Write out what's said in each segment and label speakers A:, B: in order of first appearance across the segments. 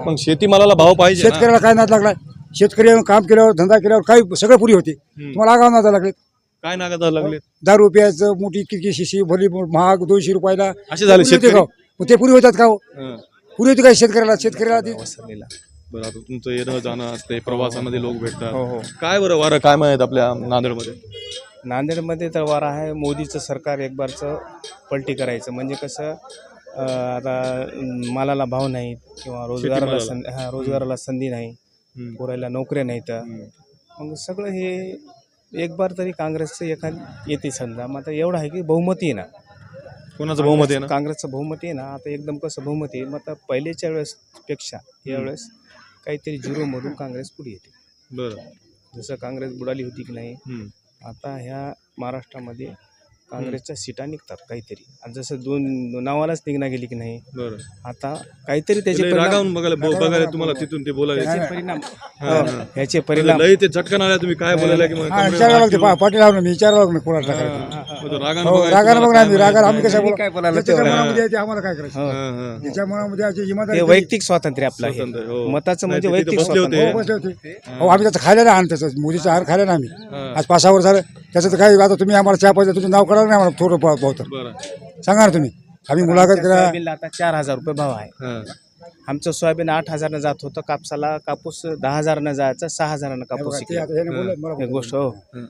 A: मग शेतीमालाला भाव पाहिजे ना.
B: शेतकऱ्याला काय नाद लागलाय? शेतकरी काम केल्यावर धंदा केल्यावर काही सगळं पुरी होते. तुम्हाला आगाव नादा लागले.
A: काय नागायला लागले?
B: ₹10 मोठी किती शिशी भली महाग 200 रुपयाला
A: असे झाले शेतकरी.
B: मग ते पुरी होतात का हो? पुरी होती काय शेतकऱ्याला
A: बरं, आता तुमचं येणं जाणं असते, प्रवासामध्ये लोक भेटतात. काय बरं वारं काय माहित आपल्या नांदेडमध्ये?
C: नांदेडमध्ये तर वारा आहे मोदीचं सरकार एक बारचं पलटी करायचं. म्हणजे कसं आता मालाला भाव नाहीत किंवा रोजगाराला संधी नाही, पोरायला नोकऱ्या नाहीत. मग सगळं हे एक बार तरी काँग्रेसचं येते समजा. मग आता एवढं आहे की बहुमती आहे ना.
A: कोणाचं बहुमत आहे ना?
C: काँग्रेसचं बहुमती आहे ना. आता एकदम कसं बहुमती आहे. मग आता पहिलेच्या वेळेसपेक्षा यावेळेस काहीतरी झिरोमधून काँग्रेस पुढे येते.
A: बरं,
C: जसं काँग्रेस बुडाली होती की नाही, आता ह्या महाराष्ट्रामध्ये काँग्रेसच्या सीटा निघतात काहीतरी. आणि जसं दोन नावालाच निघणं गेली की नाही,
A: बरं.
C: आता काहीतरी त्याचे
A: रागावून बघायला तुम्हाला तिथून ते बोलायला
C: ह्याचे परिणाम
A: लय ते झटकन आल्या. तुम्ही काय बोलायला की
B: विचारावं लागते. पाटील लावून मी विचारावं लागलं कोणाला टाकायचं. रागानं बघ ना. रागानं आम्ही कसं
C: काय बोलायला
B: आम्हाला काय करायचं? त्याच्या मनामध्ये
C: वैयक्तिक स्वातंत्र्य आपलं आहे. मताचं म्हणजे वैयक्तिक स्वातंत्र्य.
B: बसले होते. आम्ही त्याचं खायला नाही आणत. त्याचं मोदीचं आहार खायला नाही आम्ही. आज 5-6 वर्ष झालं. त्याचं तर काय आता तुम्ही आम्हाला चहा पाहिजे तुमचं नाव कळलं नाही आम्हाला थोडं पावतं सांगा ना तुम्ही. आम्ही मुलाखत करा.
C: आता 4,000 रुपये भाव आहे. आमचं सोयाबीन 8,000 जात होतं. कापूस 10,000 जायचं, 6,000 कापूस गोष्ट. हो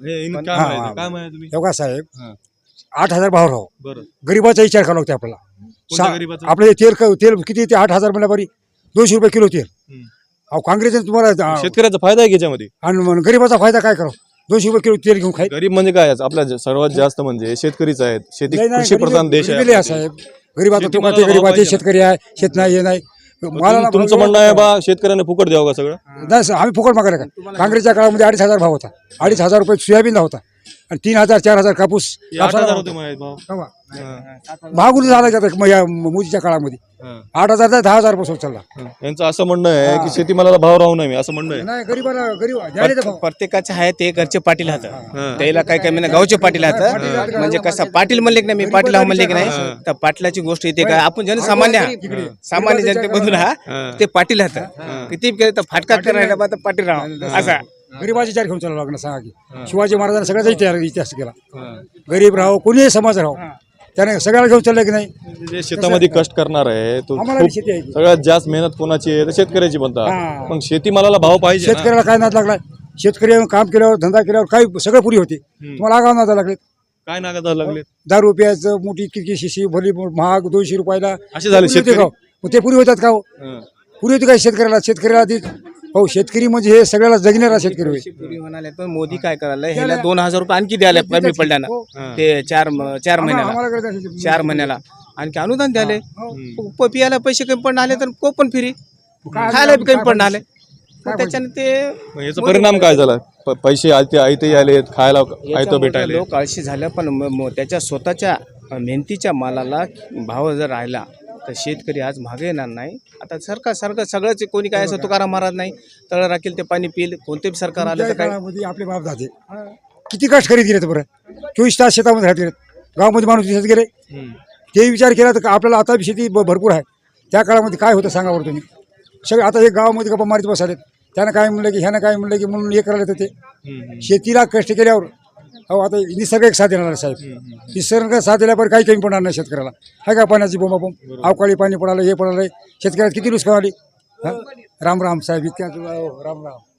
B: एवढा साहेब 8,000 भाव राहो. गरीबाचा विचार करावा लागतो आपल्याला. आपलं तेल किती ते 8,000 म्हणल्या बरी 200 रुपये किलो तेल. अहो काँग्रेसने तुम्हाला
A: शेतकऱ्याचा फायदा आहे याच्यामध्ये.
B: आणि गरीबाचा फायदा काय करावं? 200 रुपये किलो तेल घेऊन खाय.
A: गरीब म्हणजे काय? आपल्या सर्वात जास्त म्हणजे शेतकरीच आहेत. शेती कृषी प्रधान देश आहे
B: साहेब. गरीबाचा तो काय गरीबाचे शेतकरी आहे. शेत नाही हे नाही. मला
A: तुमचं म्हणणं आहे बा शेतकऱ्यांना फुकट द्यावं का सगळं?
B: नाही आम्ही फुकट मागायला का? काँग्रेसच्या काळामध्ये 2,500 भाव होता. 2,500 रुपये सोयाबीन होता आणि 3,000-4,000 कापूस.
A: 8,000 होते माहित भाव.
B: महागुली झाला या मोदीच्या काळामध्ये. 8,000 ते 10,000 रुपये चालला.
A: यांचं असं म्हणणं आहे की शेतीमालाला भाव राहू नये असं म्हणणं आहे.
B: नाही गरीब
C: प्रत्येकाचे आहे ते घरचे पाटील हात. त्याला काय काय म्हणा गावचे पाटील हात. म्हणजे कसं पाटील म्हणले की नाही, मी पाटील म्हणले की नाही, तर पाटलाची गोष्ट येते काय? आपण जनसामान्य जनतेमधून ते पाटील हात. किती केलं तर फाटका करायला पाटील राहा असा.
B: गरीबाची विचार घेऊन चालावं लागणार. सांगा की शिवाजी महाराजांना सगळ्याचा इतिहास केला. गरीब राहो कोणीही समाज राहो त्याने सगळ्याला घेऊन चाललं की नाही.
A: जे शेतामध्ये कष्ट करणार आहे तो सगळ्यात जास्त मेहनत कोणाची आहे? तर शेतकऱ्याची म्हणतात. मग शेतीमालाला भाव पाहिजे.
B: शेतकऱ्याला काय नाद लागलाय? शेतकरी काम केल्यावर धंदा केल्यावर काही सगळं पुरी होते. तुम्हाला आगाव नादा लागले.
A: काय नागायला लागले?
B: ₹10 मोठी किती शिशी भली महाग 200 रुपयाला
A: असे झाले शेतकरी.
B: मग ते पुरी होतात का हो? पुरी होती काय शेतकऱ्याला ती? हो शेतकरी म्हणजे हे सगळ्याला जगणारा शेतकरी
C: म्हणाले. पण मोदी काय करायला ह्याला 2,000 रुपये आणखी द्यायला कमी पडल्यानं ते 4 महिन्याला आणखी अनुदान द्याले. पियाला पैसे कमी पडून आले तर कोपन फ्री, खायला बी कमी पडून आले. त्याच्याने ते
A: याचा परिणाम काय झाला? पैसे आयते आले, खायला आयतं भेटायला.
C: लोक आळशी झालं. पण त्याच्या स्वतःच्या मेहनतीच्या मालाला भाव जर राहिला तर शेतकरी आज मागे येणार नाही. आता सरकार सगळंच कोणी काय असं तुकाराम महाराज नाही, तळ राखील ते पाणी पिईल. कोणते बी सरकार आलं तर काय?
B: आपले बाप दादे किती कष्ट करीत गेले बरं. 24 तास शेतामध्ये राहत गेले. गावामध्ये माणूस दिसत गेले. ते विचार केला तर आपल्याला आता शेती भरपूर आहे. त्या काळामध्ये काय होतं सांगा बरं तुम्ही. सगळं आता हे गावामध्ये गप्पा मारीत बसाले. त्यानं काय म्हणलं की ह्यानं काय म्हणलं की म्हणून हे करायला येतं ते. शेतीला कष्ट केल्यावर हो आता निसर्ग एक साथ देणार साहेब. निसर्ग साथ दिल्यावर काही कमी पडणार नाही शेतकऱ्याला. आहे का पाण्याची बोंबाबोंब? अवकाळी पाणी पडालं हे पडालं शेतकऱ्याला किती नुकसान आली. राम राम साहेब. इतक्या राम राम.